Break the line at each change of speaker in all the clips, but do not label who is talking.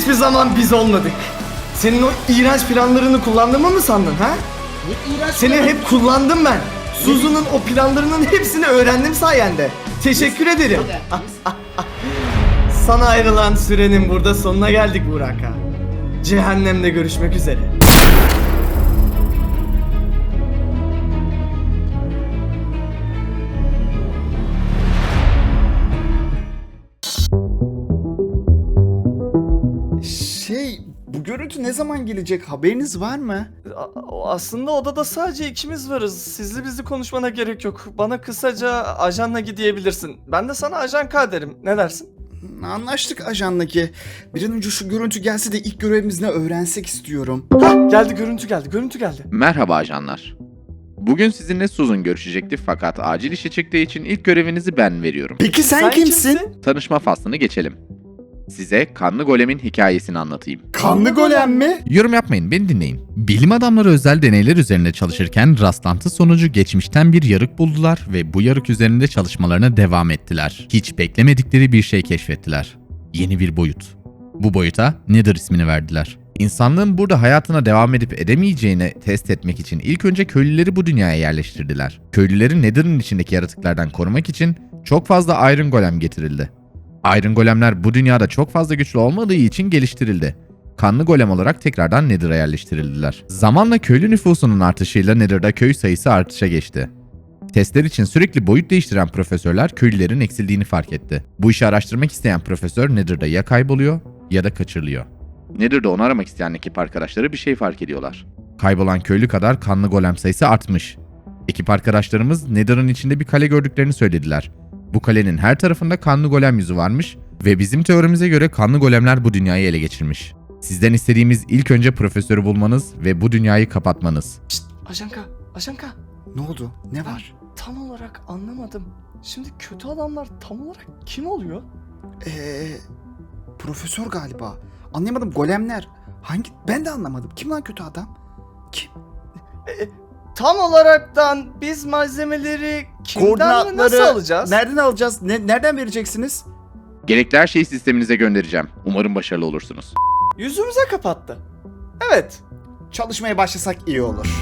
hiçbir zaman biz olmadık. Senin o iğrenç planlarını kullandığımı mı sandın ha?
Ne iğrenç
Seni
planı?
hep kullandım ben. Suzu'nun o planlarının hepsini öğrendim sayende. Teşekkür ederim. Sana ayrılan sürenin burada sonuna geldik Burak ağa. Cehennemde görüşmek üzere.
Bu görüntü ne zaman gelecek, haberiniz var mı?
Aslında odada sadece ikimiz varız. Sizli bizli konuşmana gerek yok. Bana kısaca ajanla gidebilirsin. Ben de sana ajan K derim. Ne dersin?
Anlaştık ajandaki. Bir an önce şu görüntü gelse de ilk görevimiz ne öğrensek istiyorum.
Hah, geldi, görüntü geldi.
Merhaba ajanlar. Bugün sizinle Susan görüşecekti fakat acil işe çıktığı için ilk görevinizi ben veriyorum.
Peki sen kimsin?
Tanışma faslını geçelim. Size Kanlı Golem'in hikayesini anlatayım.
Kanlı golem mi?
Yorum yapmayın, beni dinleyin. Bilim adamları özel deneyler üzerinde çalışırken rastlantı sonucu geçmişten bir yarık buldular ve bu yarık üzerinde çalışmalarına devam ettiler. Hiç beklemedikleri bir şey keşfettiler. Yeni bir boyut. Bu boyuta Nether ismini verdiler. İnsanlığın burada hayatına devam edip edemeyeceğini test etmek için ilk önce köylüleri bu dünyaya yerleştirdiler. Köylüleri Nether'ın içindeki yaratıklardan korumak için çok fazla Iron Golem getirildi. Iron Golemler bu dünyada çok fazla güçlü olmadığı için geliştirildi. Kanlı Golem olarak tekrardan Nether'a yerleştirildiler. Zamanla köylü nüfusunun artışıyla Nether'da köy sayısı artışa geçti. Testler için sürekli boyut değiştiren profesörler köylülerin eksildiğini fark etti. Bu işi araştırmak isteyen profesör Nether'da ya kayboluyor ya da kaçırılıyor.
Nether'da onu aramak isteyen ekip arkadaşları bir şey fark ediyorlar.
Kaybolan köylü kadar kanlı golem sayısı artmış. Ekip arkadaşlarımız Nether'ın içinde bir kale gördüklerini söylediler. Bu kalenin her tarafında kanlı golem yüzü varmış ve bizim teorimize göre kanlı golemler bu dünyayı ele geçirmiş. Sizden istediğimiz ilk önce profesörü bulmanız ve bu dünyayı kapatmanız.
Şşt, ajan K.
Ne oldu? Ne var?
Tam olarak anlamadım. Şimdi kötü adamlar tam olarak kim oluyor?
Profesör galiba. Anlayamadım, golemler. Hangi? Ben de anlamadım. Kim lan kötü adam? Kim?
Tam olaraktan biz malzemeleri kimden ve nasıl alacağız?
Nereden alacağız? Nereden vereceksiniz?
Gerekli her şeyi sisteminize göndereceğim. Umarım başarılı olursunuz.
Yüzümüze kapattı. Evet.
Çalışmaya başlasak iyi olur.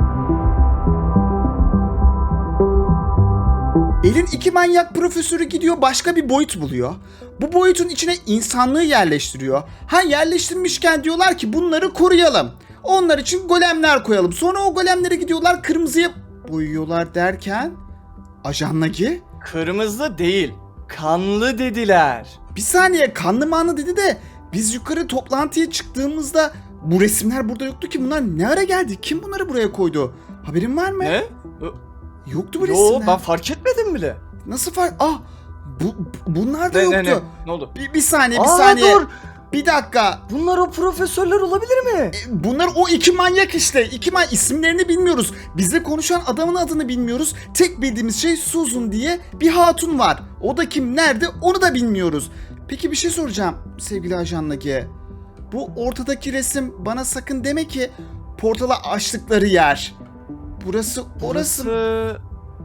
Elin iki manyak profesörü gidiyor, başka bir boyut buluyor. Bu boyutun içine insanlığı yerleştiriyor. Yerleştirmişken diyorlar ki bunları koruyalım. Onlar için golemler koyalım. Sonra o golemleri gidiyorlar kırmızıya boyuyorlar derken... Ajan Nagi?
Kırmızı değil, kanlı dediler.
Bir saniye, kanlı manlı dedi de biz yukarı toplantıya çıktığımızda bu resimler burada yoktu ki. Bunlar ne ara geldi? Kim bunları buraya koydu? Haberin var mı?
Ne?
Yoktu bu
Yo,
resimler.
ben fark etmedim bile.
Nasıl fark? Bunlar da yoktu.
Ne oldu?
Bir saniye.
Dur.
Bir dakika.
Bunlar o profesörler olabilir mi?
Bunlar o iki manyak işte. İsimlerini bilmiyoruz. Bizle konuşan adamın adını bilmiyoruz. Tek bildiğimiz şey Susan diye bir hatun var. O da kim, nerede onu da bilmiyoruz. Peki bir şey soracağım sevgili Ajan Nagi. Bu ortadaki resim bana sakın deme ki portala açtıkları yer. Burası orası.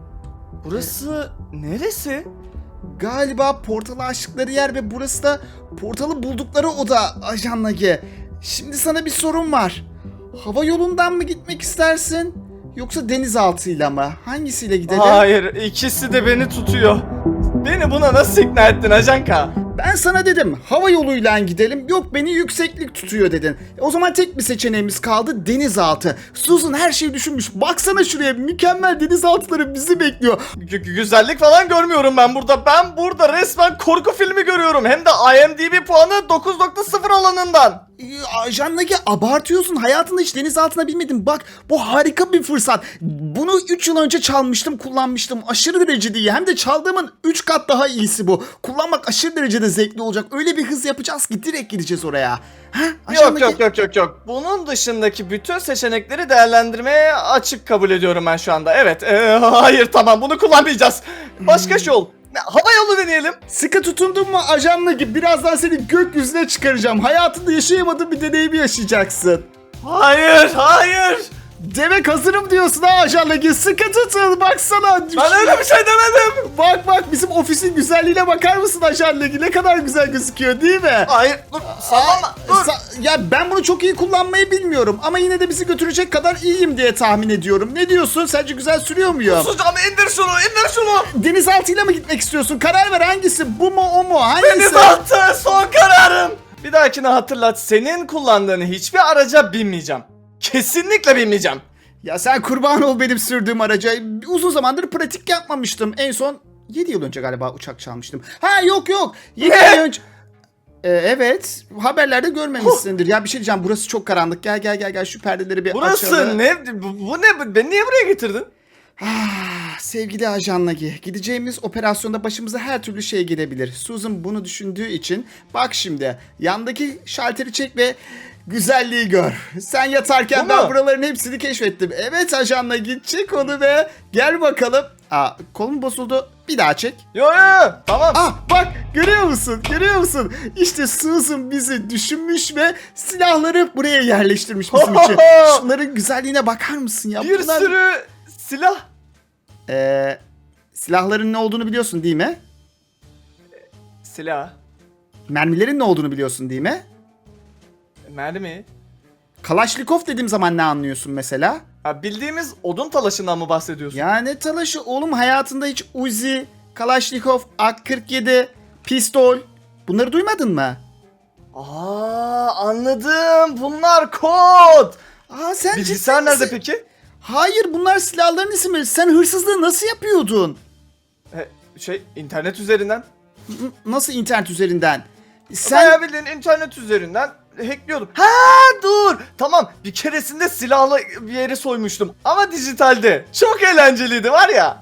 Burası neresi?
Galiba portalı açtıkları yer ve burası da portalı buldukları oda Ajan Nagi. Şimdi sana bir sorum var. Hava yolundan mı gitmek istersin? Yoksa denizaltıyla mı? Hangisiyle gidelim?
Hayır, ikisi de beni tutuyor. Beni buna nasıl ikna ettin Ajan K?
Ben sana dedim hava yoluyla gidelim. Yok, beni yükseklik tutuyor dedin. O zaman tek bir seçeneğimiz kaldı, denizaltı. Susan her şeyi düşünmüş. Baksana şuraya, mükemmel denizaltıları bizi bekliyor.
Güzellik falan görmüyorum ben burada. Ben burada resmen korku filmi görüyorum. Hem de IMDb puanı 9.0 alanından.
Ajan Nagi, abartıyorsun. Hayatında hiç denizaltına binmedin. Bak, bu harika bir fırsat. Bunu 3 yıl önce çalmıştım, kullanmıştım. Aşırı derecede iyi. Hem de çaldığımın 3 kat daha iyisi bu. Kullanmak aşırı derecede zevkli olacak. Öyle bir hız yapacağız ki direkt gideceğiz oraya. Ajan Nagi?
Yok. Bunun dışındaki bütün seçenekleri değerlendirmeye açık kabul ediyorum ben şu anda. Evet. Hayır, tamam, bunu kullanmayacağız. Başka yol. Hava yolu deneyelim.
Sıkı tutundun mu Ajan Nagi? Birazdan seni gökyüzüne çıkaracağım. Hayatında yaşayamadığın bir deneyimi yaşayacaksın.
Hayır.
Demek hazırım diyorsun ha Ajan Nagi. Sıkı tutun baksana.
Ben öyle bir şey demedim.
Bak bizim ofisin güzelliğine bakar mısın Ajan Nagi? Ne kadar güzel gözüküyor değil mi?
Hayır dur sallama dur.
Ya ben bunu çok iyi kullanmayı bilmiyorum ama yine de bizi götürecek kadar iyiyim diye tahmin ediyorum. Ne diyorsun? Sence güzel sürüyor muyum?
Susacağım, indir şunu.
Denizaltıyla mı gitmek istiyorsun? Karar ver hangisi? Bu mu o mu? Hangisi?
Denizaltı son kararım. Bir dahakine hatırlat, senin kullandığın hiçbir araca binmeyeceğim. Kesinlikle binmeyeceğim.
Ya sen kurban ol benim sürdüğüm araca. Uzun zamandır pratik yapmamıştım. En son 7 yıl önce galiba uçak çalmıştım. Ha yok. 7
Ne?
ay önce. Evet. Haberlerde görmemişsindir. Ya bir şey diyeceğim. Burası çok karanlık. Gel şu perdeleri bir
Burası
açalım.
ne? Bu ne? Beni niye buraya getirdin?
Sevgili Ajan Nagi, gideceğimiz operasyonda başımıza her türlü şey gelebilir. Susan bunu düşündüğü için bak şimdi yandaki şalteri çek ve güzelliği gör. Sen yatarken
Bu
ben
mu?
buraların hepsini keşfettim. Evet Ajan Nagi, çek onu ve gel bakalım. Kolum bozuldu. Bir daha çek.
Yo tamam.
Bak görüyor musun? İşte Susan bizi düşünmüş ve silahları buraya yerleştirmiş bizim için. Şunların güzelliğine bakar mısın ya?
Bir sürü silah.
Silahların ne olduğunu biliyorsun değil mi?
Silah.
Mermilerin ne olduğunu biliyorsun değil mi?
Mermi.
Kalaşnikov dediğim zaman ne anlıyorsun mesela?
Ha, bildiğimiz odun talaşından mı bahsediyorsun?
Ya ne talaşı oğlum, hayatında hiç Uzi, Kalaşnikov, AK-47, pistol bunları duymadın mı?
Anladım. Bunlar kod.
Sen
Bilgisayar
ciddi
nerede
misin?
peki?
Hayır, bunlar silahların isimleri. Sen hırsızlığı nasıl yapıyordun?
İnternet üzerinden.
Nasıl internet üzerinden?
Bayağı bildiğin internet üzerinden hackliyordum. Dur. Tamam, bir keresinde silahla bir yeri soymuştum. Ama dijitalde. Çok eğlenceliydi var ya.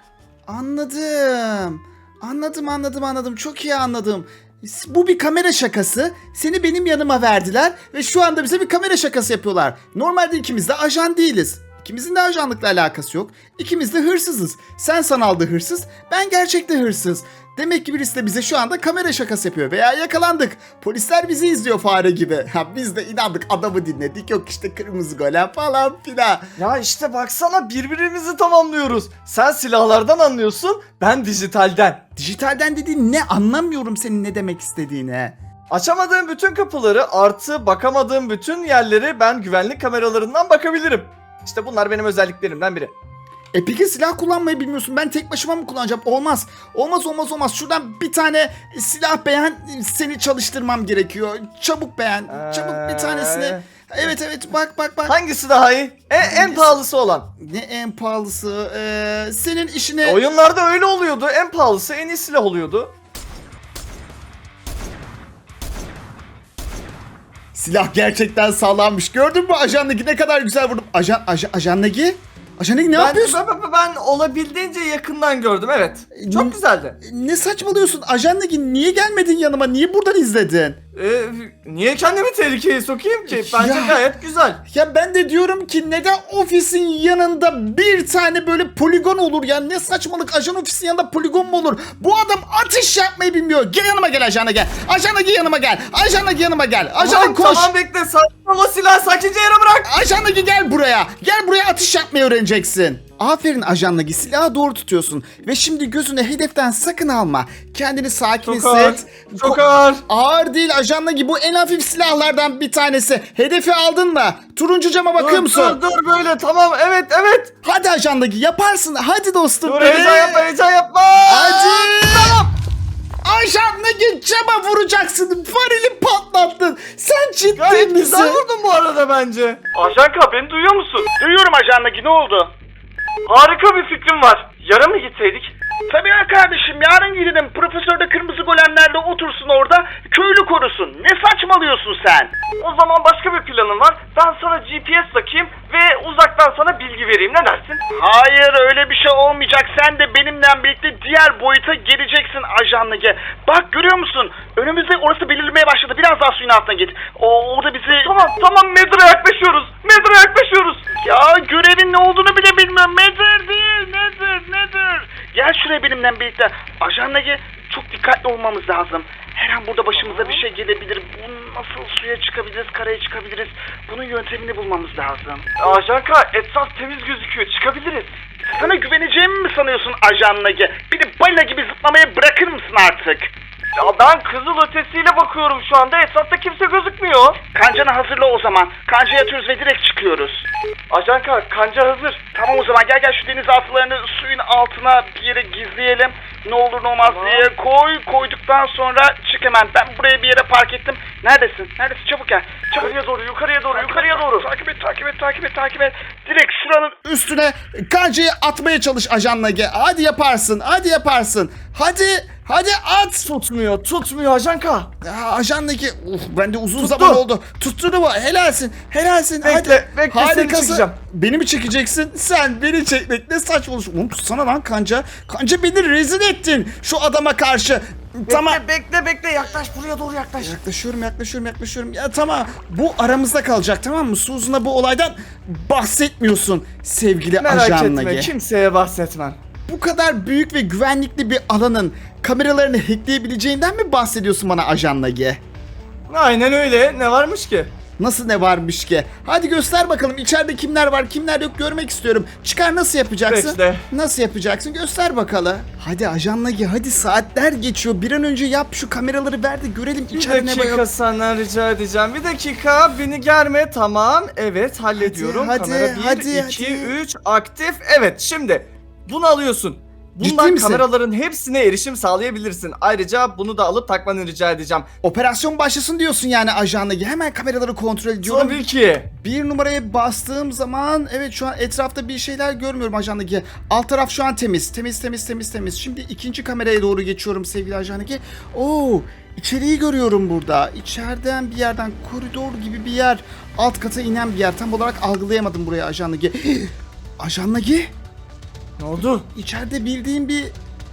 Anladım. Çok iyi anladım. Bu bir kamera şakası. Seni benim yanıma verdiler ve şu anda bize bir kamera şakası yapıyorlar. Normalde ikimiz de ajan değiliz. İkimizin de ajanlıkla alakası yok. İkimiz de hırsızız. Sen sanalda hırsız, ben gerçekte hırsız. Demek ki birisi de bize şu anda kamera şakası yapıyor veya yakalandık. Polisler bizi izliyor fare gibi. Biz de inandık, adamı dinledik. Yok işte kırmızı golem falan filan.
Ya işte baksana, birbirimizi tamamlıyoruz. Sen silahlardan anlıyorsun, ben dijitalden.
Dijitalden dediğin ne, anlamıyorum senin ne demek istediğini.
Açamadığım bütün kapıları artı bakamadığım bütün yerleri ben güvenlik kameralarından bakabilirim. İşte bunlar benim özelliklerimden biri.
Peki silah kullanmayı bilmiyorsun. Ben tek başıma mı kullanacağım? Olmaz. Şuradan bir tane silah beğen, seni çalıştırmam gerekiyor. Çabuk beğen. Çabuk bir tanesini. Evet bak.
Hangisi daha iyi? En pahalısı olan.
Ne en pahalısı? Senin işine...
Oyunlarda öyle oluyordu. En pahalısı en iyi silah oluyordu.
Silah gerçekten sağlammış. Gördün mü Ajan Nagi, ne kadar güzel vurdum. Ajan Nagi? Ajan Nagi ne yapıyorsun?
Ben olabildiğince yakından gördüm, evet. Çok güzeldi.
Ne saçmalıyorsun? Ajan Nagi, niye gelmedin yanıma? Niye buradan izledin?
Niye kendimi tehlikeye sokayım ki? Bence
Ya.
gayet güzel.
Ya ben de diyorum ki neden ofisin yanında bir tane böyle poligon olur ya? Ne saçmalık, ajan ofisin yanında poligon mu olur? Bu adam atış yapmayı bilmiyor. Gel yanıma gel Ajan Nagi. Ajan Nagi yanıma gel. Ajan Nagi yanıma gel. Ajan Nagi koş.
Tamam bekle, sakin ol, o silahı sakince yere bırak.
Ajan Nagi gel buraya. Gel buraya, atış yapmayı öğreneceksin. Aferin Ajan Nagi, silahı doğru tutuyorsun. Ve şimdi gözünü hedeften sakın alma. Kendini sakin
Çok ağır.
hisset.
Çok ağır.
Ağır değil Ajan Nagi, bu en hafif silahlardan bir tanesi. Hedefi aldın mı? Turuncu cama bakıyor musun?
Dur böyle, tamam, evet.
Hadi Ajan Nagi, yaparsın. Hadi dostum.
Dur,
be.
heyecan yapma.
Hadi. Tamam. Ajan Nagi, cama vuracaksın. Varili patlattın. Sen ciddi
Gayet
misin?
güzel vurdun bu arada bence.
Ajan K, beni duyuyor musun?
Duyuyorum Ajan Nagi, ne oldu?
Harika bir fikrim var. Yarın mı gitseydik?
Tabii ya kardeşim, yarın gidelim. Profesör de kırmızı golemlerle otursun orada, köylü korusun. Ne saçmalıyorsun sen?
O zaman başka bir planım var. Ben sana GPS takayım ve uzaktan sana bilgi vereyim. Ne dersin?
Hayır, öyle bir şey olmayacak. Sen de benimle birlikte diğer boyuta geleceksin Ajan Nagi. Bak görüyor musun? Önümüzde orası belirlemeye başladı. Biraz daha suyun altına git. Orada bizi...
Tamam, Nether'a yaklaşıyoruz.
Ya görevin ne olduğunu bile bilmiyorum. Nether değil, Nether. Gel şuraya benimle birlikte. Ajan Nagi, çok dikkatli olmamız lazım. Her an burada başımıza bir şey gelebilir. Bu nasıl suya çıkabiliriz, karaya çıkabiliriz? Bunun yöntemini bulmamız lazım.
Ajanka etraf temiz gözüküyor. Çıkabiliriz.
Sana güveneceğimi mi sanıyorsun Ajan Nagi? Beni balina gibi zıplamaya bırakır mısın artık?
Ya ben kızıl ötesiyle bakıyorum şu anda. Etrafta kimse gözükmüyor.
Kancanı hazırla o zaman. Kancaya atıyoruz ve direkt çıkıyoruz.
Ajanka kanca hazır.
Tamam o zaman gel şu deniz atlarını suyun altına bir yere gizleyelim. Ne olur ne olmaz
Tamam.
diye koyduktan sonra çık hemen. Ben buraya bir yere park ettim. Neredesin? Neredesin? Çabuk gel. Çabuk.
Yukarıya doğru.
Takip et. Direkt şuranın
Üstüne kancayı atmaya çalış Ajan Nagi. Hadi yaparsın. Hadi at.
Tutmuyor Ajanka.
Ya, Ajan Nagi. Ben de uzun zaman oldu. Tuttun mu? Helalsin.
Bekle, seni çekeceğim.
Beni mi çekeceksin? Sen beni çekmek ne saçmalıyorsun? Oğlum tutsana lan kanca. Kanca beni rezil ettin şu adama karşı. Tamam.
Bekle yaklaş buraya doğru yaklaş.
Yaklaşıyorum. Ya tamam. Bu aramızda kalacak, tamam mı? Susan'a bu olaydan bahsetmiyorsun sevgili
Merak
Ajan
etme
Nagi.
kimseye bahsetmem.
Bu kadar büyük ve güvenlikli bir alanın kameralarını hackleyebileceğinden mi bahsediyorsun bana Ajan Nagi?
Aynen öyle, ne varmış ki?
Nasıl ne varmış ki? Hadi göster bakalım içeride kimler var kimler yok görmek istiyorum. Çıkar nasıl yapacaksın?
Bekle.
Nasıl yapacaksın göster bakalım. Hadi Ajan Nagi hadi saatler geçiyor. Bir an önce yap şu kameraları ver de görelim
Bir
içeride ne var
dakika
yok.
senden rica edeceğim. Bir dakika beni germe, tamam. Evet hallediyorum.
Hadi,
Kamera 1,
hadi.
2, 3 aktif. Evet şimdi bunu alıyorsun.
Ciddi
Bundan
misin?
kameraların hepsine erişim sağlayabilirsin. Ayrıca bunu da alıp takmanı rica edeceğim.
Operasyon başlasın diyorsun yani Ajan Nagi. Hemen kameraları kontrol ediyorum.
Tabii ki.
Bir numaraya bastığım zaman evet şu an etrafta bir şeyler görmüyorum Ajan Nagi. Alt taraf şu an temiz. Temiz. Şimdi ikinci kameraya doğru geçiyorum sevgili Ajan Nagi. Oo, içeriği görüyorum burada. İçeriden bir yerden koridor gibi bir yer. Alt kata inen bir yer. Tam olarak algılayamadım buraya Ajan Nagi. Ajan Nagi?
Ne oldu?
İçeride bildiğim bir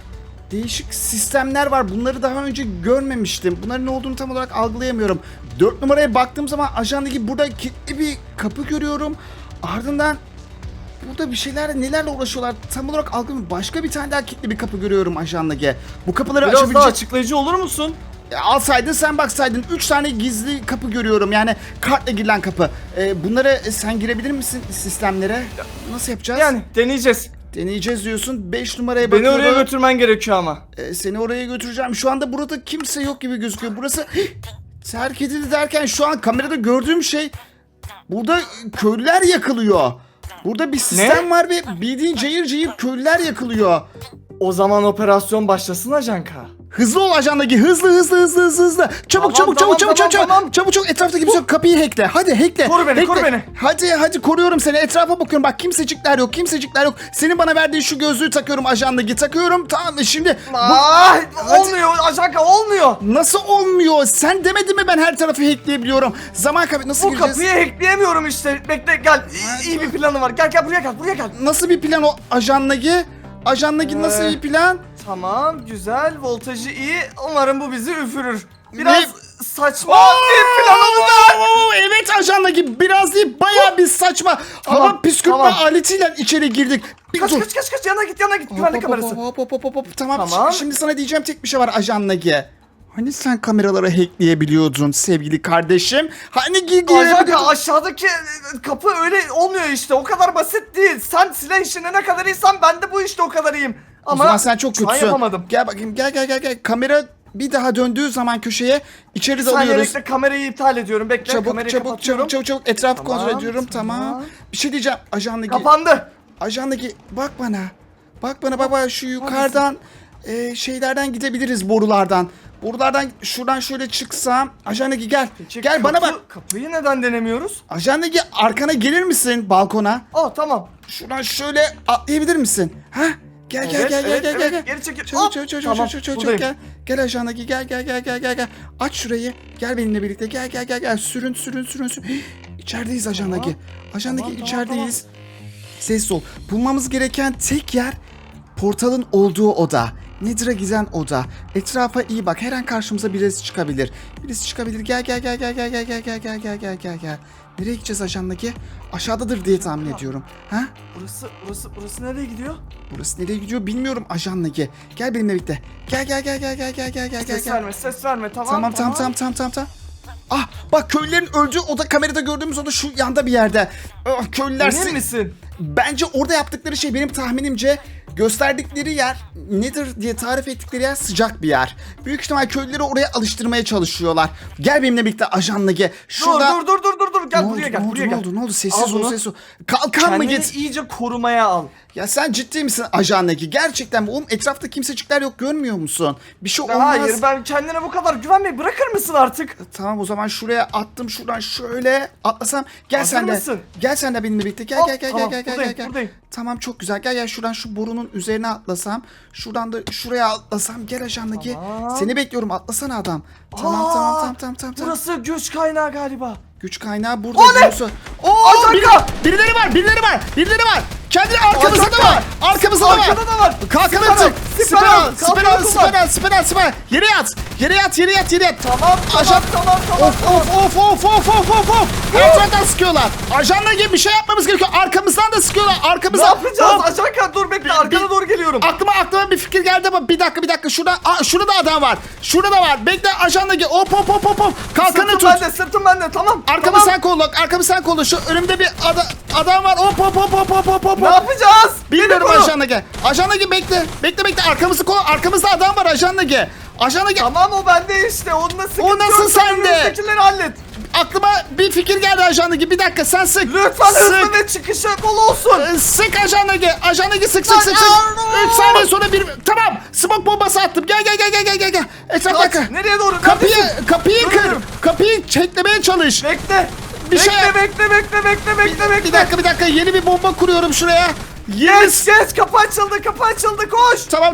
değişik sistemler var. Bunları daha önce görmemiştim. Bunların ne olduğunu tam olarak algılayamıyorum. 4 numaraya baktığım zaman ajandaki burada kilitli bir kapı görüyorum. Ardından burada bir şeyler nelerle uğraşıyorlar tam olarak algılamıyorum. Başka bir tane daha kilitli bir kapı görüyorum ajandaki. Bu kapıları
Biraz daha
açabilecek...
açıklayıcı olur musun?
Alsaydın sen baksaydın 3 tane gizli kapı görüyorum yani kartla girilen kapı. Bunları sen girebilir misin sistemlere? Nasıl yapacağız?
Yani deneyeceğiz.
Deneyeceğiz diyorsun. 5 numaraya
Beni
bakıyorum.
oraya götürmen gerekiyor ama.
Seni oraya götüreceğim. Şu anda burada kimse yok gibi gözüküyor. Burası terk edildi derken şu an kamerada gördüğüm şey burada köylüler yakılıyor. Burada bir sistem var ve bildiğin cayır cayır köylüler yakılıyor.
O zaman operasyon başlasın Ajanka.
Hızlı ol ajandaki hızlı. Çabuk çabuk etrafta kimse yok. Kapıyı hackle. Hadi hackle.
Koru beni.
Hadi koruyorum seni. Etrafa bakıyorum. Bak kimsecikler yok. Senin bana verdiğin şu gözlüğü takıyorum ajandaki. Takıyorum. Tamam mı? Şimdi
Olmuyor Ajanka olmuyor.
nasıl olmuyor? Sen demedin mi ben her tarafı hackleyebiliyorum? Zaman kaybı nasıl
Bu
gireceğiz?
kapıyı hackleyemiyorum işte. Bekle gel. İyi bir planı var. Gel buraya gel.
Nasıl bir plan o ajandaki? Ajandaki nasıl bir plan?
Tamam güzel. Voltajı iyi. Umarım bu bizi üfürür. Biraz
Ne?
saçma bir plan olacak.
Evet ajandaki biraz değil bayağı bir saçma.
Tamam,
Hava püskürtme
tamam.
aletiyle içeri girdik. Bir dur.
Kaç yana git güvenlik kamerası.
Hop. Tamam.
Tamam.
Şimdi sana diyeceğim tek bir şey var Ajan Nagi. Hani sen kameraları hackleyebiliyordun sevgili kardeşim? Hani gidiyor?
Ajanka aşağıdaki kapı öyle olmuyor işte. O kadar basit değil. Sen silah işine ne kadar iyisen ben de bu işte o kadar iyiyim.
O
Ama
zaman sen çok
şu an
kötüsün.
yapamadım.
Gel bakayım gel. Kamera bir daha döndüğü zaman köşeye içeri
Sen
dalıyoruz.
bekle kamerayı iptal ediyorum. Bekle kamerayı kapatıyorum.
Çabuk etrafı
Tamam,
kontrol ediyorum tamam.
tamam.
Bir şey diyeceğim Ajan Nagi.
Kapandı.
Ajan Nagi bak bana şu yukarıdan şeylerden gidebiliriz borulardan. Şuradan şöyle çıksam. Ajan Nagi gel.
Peki,
Gel bana bak.
Kapıyı neden denemiyoruz?
Ajan Nagi arkana gelir misin balkona?
Tamam.
Şuradan şöyle atlayabilir misin? Ha? Gel.
Geri çekil.
Çabuk
Tamam, buradayım.
gel. Gel Ajan Nagi gel. Aç şurayı. Gel benimle birlikte. Gel. Sürün. İçerideyiz Ajan Nagi. Ajan Nagi
Tamam,
içerideyiz. Sessiz ol. Bulmamız gereken tek yer portalın olduğu oda. Nedir'e giden oda. Etrafa iyi bak. Her an karşımıza birisi çıkabilir. Birisi çıkabilir. Gel. Nereye gideceğiz Ajan Nagi? Aşağıdadır diye tahmin ediyorum. Ha?
Burası nereye gidiyor?
Burası nereye gidiyor bilmiyorum Ajan Nagi. Gel benimle birlikte. Gel.
Ses verme tamam.
Tamam. Ah bak köylülerin öldüğü oda, kamerada gördüğümüz oda şu yanda bir yerde. Ah, köylüler
Emin misin?
Bence orada yaptıkları şey, benim tahminimce gösterdikleri yer nedir diye tarif ettikleri yer sıcak bir yer. Büyük ihtimal köylüleri oraya alıştırmaya çalışıyorlar. Gel benimle birlikte Ajan Nagi. Şurada...
Dur. Gel
Ne
buraya
oldu,
gel.
ne
Buraya gel.
oldu?
Al
Sessiz
bunu.
ol. Kalkan mı
Kendini
git?
iyice korumaya al.
Ya sen ciddi misin Ajan Nagi? Gerçekten mi? Oğlum etrafta kimsecikler yok, görmüyor musun? Bir şey olmaz.
Hayır ben kendine bu kadar güvenmeyi bırakır mısın artık?
Tamam o zaman şuraya attım, şuradan şöyle atlasam. Gel
Hazır
sen de.
mısın?
Gel sen de benimle birlikte. Gel.
Tamam, buradayım.
Tamam çok güzel. Gel şuradan şu borunun üzerine atlasam. Şuradan da şuraya atlasam. Gel Ajan Nagi.
Tamam.
Seni bekliyorum, atlasana adam. Tamam.
Burası güç kaynağı galiba.
Güç kaynağı burada.
O ne?
diyorsun. Oo,
Ajanka!
birileri var. Kendini arkamızda da var. Arkamızda da var.
Arkada da var.
Kalkanı
Siper al,
tık.
siper al, kalkanı kullan.
Siper. Yere yat.
Tamam.
Ajan.
Tamam.
Of. Her taraftan sıkıyorlar. Ajanla gibi bir şey yapmamız gerekiyor. Arkamızdan da sıkıyorlar.
Ne
Arkamızdan.
yapacağız?
Hop.
Ajanka dur bekle arkana doğru geliyorum.
Aklıma bir fikir geldi ama bir dakika. Şurada da adam var. Şurada da var. Bekle Ajanla gibi. Hop. Kalkanı tut.
Sırtım bende tamam.
Arkamı sen kolla. Şu önümde bir adam var. Hop.
Ne yapacağız?
Bilmiyorum
Beni koru.
Ajan Nagi bekle. Arkamızı kolla. Arkamızda adam var Ajan Nagi.
Tamam o bende işte. Onunla sıkıntı
O nasıl
yok. Sen
sende?
önümüzdekileri hallet.
Aklıma bir fikir geldi Ajan Nagi. Bir dakika sen sık.
Lütfen hızlı ve çıkışı bol olsun.
Sık Ajan Nagi sık.
Lan,
3 saniye sonra bir... Tamam. Smoke bombası attım. Gel. Etrafta
Kaç. Nereye doğru?
Kapıyı kır.
Görüyorum.
Kapıyı çeklemeye çalış.
Bekle.
Bir şey-
Bekle.
Bir dakika. Yeni bir bomba kuruyorum şuraya.
Yes. Kapı açıldı. Koş.
Tamam.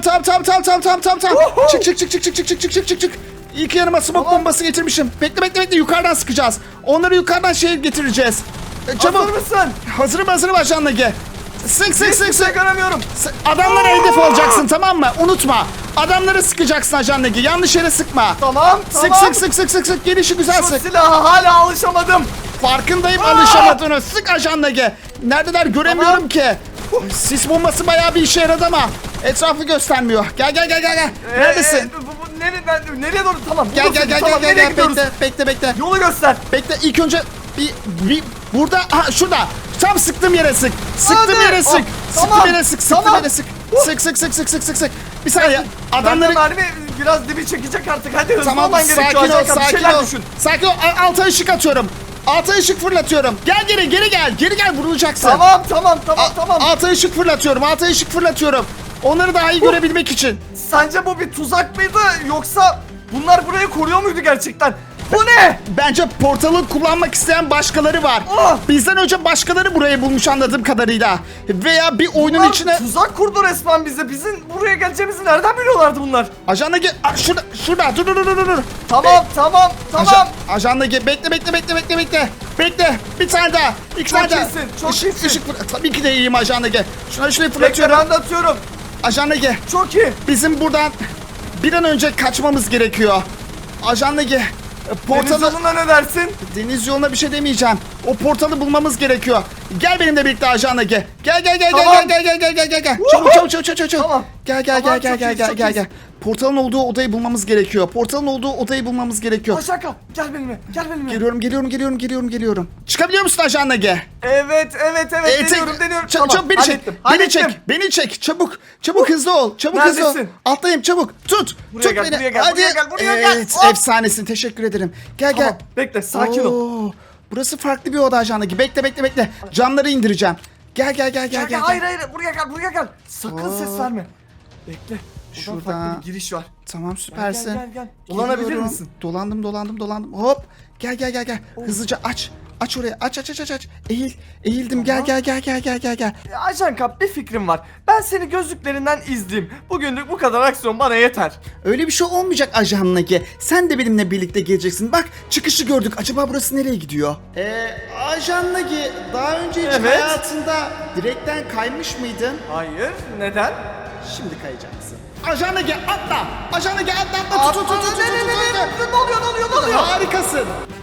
Uhu.
Çık. İlk yanıma smoke bombası getirmişim. Bekle. Yukarıdan sıkacağız. Onları yukarıdan getireceğiz. Çabuk.
Hazır mısın?
Hazırım Ajan Nagi. Sık.
Hiçbir şey göremiyorum.
Adamlara hedef olacaksın, tamam mı? Unutma. Adamları sıkacaksın Ajan Nagi. Yanlış yere sıkma.
Tamam.
Sık. Gelişi güzel
Şu
sık.
silaha hala alışamadım.
Farkındayım alışamadığını. Sık Ajan Nagi. Neredeler göremiyorum
Tamam.
ki. Sis bombası bayağı bir işe yaradı ama etrafı göstermiyor. Gel. Neredesin?
Nereye doğru? Tamam.
Gel.
Nereye gidiyoruz?
Bekle.
Yolu göster.
Bekle ilk önce bir burada şurada tam sıktığım yere sık. Sıktığım
Hadi.
yere sık.
Oh,
Sıktığım
tamam.
yere sık.
Tamam.
Sık. Bir saniye.
Adamları
Adamları
biraz dibi çekecek artık. Hadi hızlı
tamam
olman gerekiyor. Ajanka, bir şeyler düşün.
Sakin ol. Alta ışık atıyorum. Alta ışık fırlatıyorum. Geri gel vurulacaksın.
Tamam.
Alta ışık fırlatıyorum. Onları daha iyi görebilmek için.
Sence bu bir tuzak mıydı yoksa bunlar burayı koruyor muydu gerçekten? Bu ne?
Bence portalı kullanmak isteyen başkaları var.
Ah!
Bizden önce başkaları burayı bulmuş anladığım kadarıyla. Veya bir oyunun
Bunlar
içine...
tuzak kurdu resmen bize. Bizim buraya geleceğimizi nereden biliyorlardı bunlar?
Ajanla gel. Şurada. Dur.
Tamam.
Ajanla gel. Bekle. Bekle. Bir tane daha. İki
Çok
tane daha.
iyisin, çok iyisin.
Tabii ki de iyiyim Ajanla gel. Şurayı
Bekle
fırlatıyorum.
ben de atıyorum.
Ajanla gel.
Çok iyi.
Bizim buradan bir an önce kaçmamız gerekiyor. Ajanla gel.
Deniz
Portalı...
yoluna ne dersin?
Deniz yoluna bir şey demeyeceğim. O portalı bulmamız gerekiyor. Gel benimle birlikte Ajanla gel. Gel.
Tamam.
Gel. Çabuk.
Tamam.
Gel.
Çok iyisin.
Portalın olduğu odayı bulmamız gerekiyor.
Aşağı gel benimle.
Geliyorum. Çıkabiliyor musun Ajanla gel?
Evet. Deniyorum.
Çabuk beni çek.
Hallettim.
Beni çek. Çabuk hızlı ol.
Neredesin?
Atlayayım çabuk. Tut
Buraya gel,
beni.
buraya gel,
Hadi.
buraya gel.
Evet,
Hop.
efsanesin. Teşekkür ederim. Gel.
Tamam, bekle, sakin ol.
Oo, burası farklı bir oda Ajanla. Bekle. Camları indireceğim. Gel.
Hayır, buraya gel. Sakın ses verme. Bekle. Şuradan
Şuradan.
farklı bir giriş var.
Tamam süpersin.
Gel. Dolanabilir
Geliyorum.
misin?
Dolandım. Hop. Gel. Hızlıca aç. Aç oraya. Aç. Eğildim.
Tamam.
Gel.
Ajanka bir fikrim var. Ben seni gözlüklerinden izleyeyim. Bugünlük bu kadar aksiyon bana yeter.
Öyle bir şey olmayacak Ajanla ki. Sen de benimle birlikte geleceksin. Bak çıkışı gördük. Acaba burası nereye gidiyor? Ajanla ki daha önce hiç
Evet.
hayatında direkten kaymış mıydın?
Hayır, neden?
Şimdi kayacaksın. Ajan Ege atla. Ajan Ege atla. Tut.
Ne oluyor?
Harikasın.